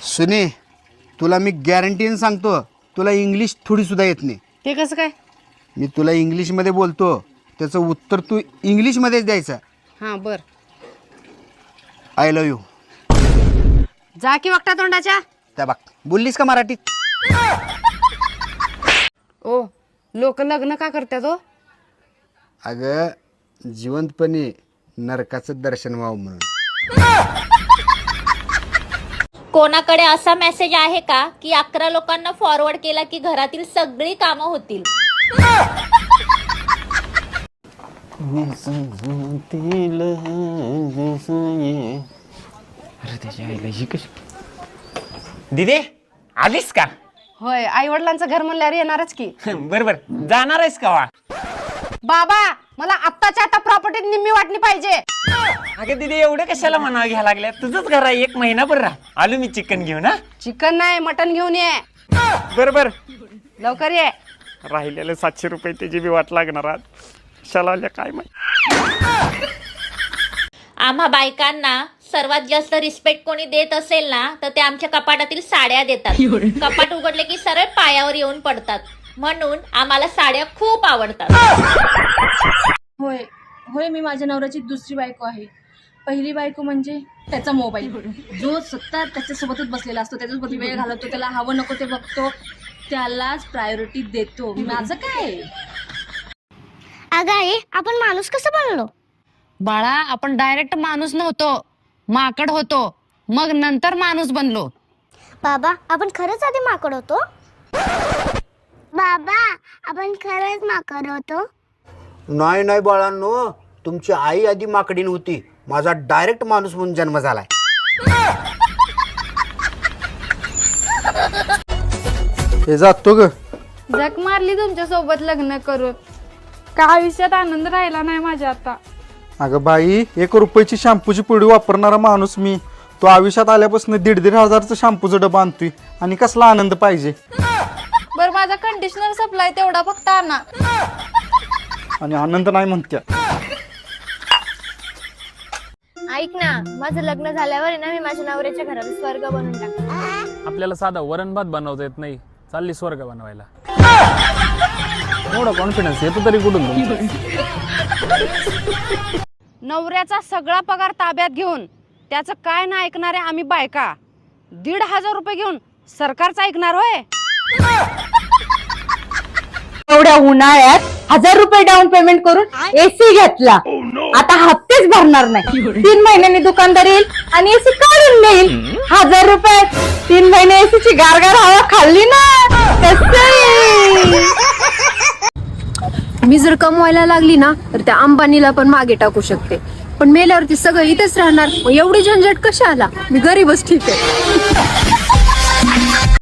सुने, तुला मी गॅरंटीने सांगतो, तुला इंग्लिश थोडी सुद्धा येत नाही. ते कसं काय? मी तुला इंग्लिशमध्ये बोलतो, त्याचं उत्तर तू इंग्लिशमध्येच द्यायचं. हां बर. I love you. जा की वागता तोंडाच्या. त्या बघ, बोललीस का मराठीत? ओ, लोक लग्न का करतात हो? अगं, जिवंतपणे नरकाचं दर्शन व्हावं म्हणून. कोणाकडे असा मेसेज आहे का की 11 लोकांना फॉरवर्ड केला की घरातील सगळी कामं होतील? दिदे आलीस का? होय, आई वडिलांचं घर म्हणल्यावर येणारच की. बरोबर, जाणार आहेस का वा? बाबा, मला आत्ताच्या आता प्रॉपर्टीत निम्मी वाटणी पाहिजे. अगं दिदी, एवढं कशाला म्हणावं घ्यायला लागल्या? तुझंच घर आहे, 1 महिनाभर राहा. आलो मी चिकन घेऊन. हा, चिकन नाही, मटन घेऊन ये. बरोबर. लवकर ये. राहिलेले 700 रुपये त्याची बी वाट लागणार आज. कशाला आल्या काय माहिती. आम्हा बायकांना सर्वात जास्त रिस्पेक्ट कोणी देत असेल ना तर ते आमच्या कपाटातील साड्या देतात. कपाट उघडले की सरळ पायावर येऊन पडतात. म्हणून आम्हाला साड्या खूप आवडतात. होय होय, मी माझ्या नवऱ्याची दुसरी बायको आहे. पहिली बायको म्हणजे त्याचा मोबाईल, जो सतत त्याच्यासोबतच बसलेला असतो, त्याच्यासोबत वेळ घालवतो, त्याला हवं नको ते बघतो, त्यालाच प्रायोरिटी देतो. माझं काय? अगं आई, आपण माणूस कसं बनलो? बाळा, आपण डायरेक्ट माणूस नव्हतो, माकड होतो, मग नंतर माणूस बनलो. बाबा, आपण खरंच आधी माकड होतो? बाबा, आपण खरंच माकड होतो? नाही नाही बाळांनो, तुमची आई आधी माकडीन होती, माझा डायरेक्ट माणूस म्हणून जन्म झालाय. हे जातो ग. जग मारली तुमच्या सोबत लग्न करून, का आयुष्यात आनंद राहिला नाही माझ्या आता. अगं बाई, 1 रुपयाची शॅम्पूची पुडी वापरणारा माणूस मी. तो आयुष्यात आल्यापासून 1,500 हजारचं शॅम्पूचं डबा आणतोय आणि कसला आनंद पाहिजे. बरं, माझा कंडिशनर सप्लाय तेवढा फक्त आणा. आणि आनंद नाही म्हणत्या. ऐक ना, माझं लग्न झाल्यावर ना मी माझ्या नवऱ्याच्या घराला स्वर्ग बनवून टाकतो. आपल्याला साधा वरण भात बनवता येत नाही, चालली स्वर्ग बनवायला. एवढा कॉन्फिडन्स येतो तरी कुठून? नवऱ्याचा सगळा पगार ताब्यात घेऊन त्याचं काय ना ऐकणारे आम्ही बायका 1,500 रुपये घेऊन सरकारचं ऐकणार होय? एवढ्या उन्हाळ्यात 1,000 रुपये डाऊन पेमेंट करून एसी घेतला. आता हप्तेच भरणार नाही. 3 महिन्यांनी दुकानदार येईल आणि एसी काढून देईल. 1,000 रुपये 3 महिने एसीची गारगार हवा खाल्ली ना. मी जर कमवायला लागली ना तर त्या अंबानीला पण मागे टाकू शकते, पण मेल्यावरती सगळं इथेच राहणार. एवढी झंझट कशाला? मी गरीबच ठीक आहे.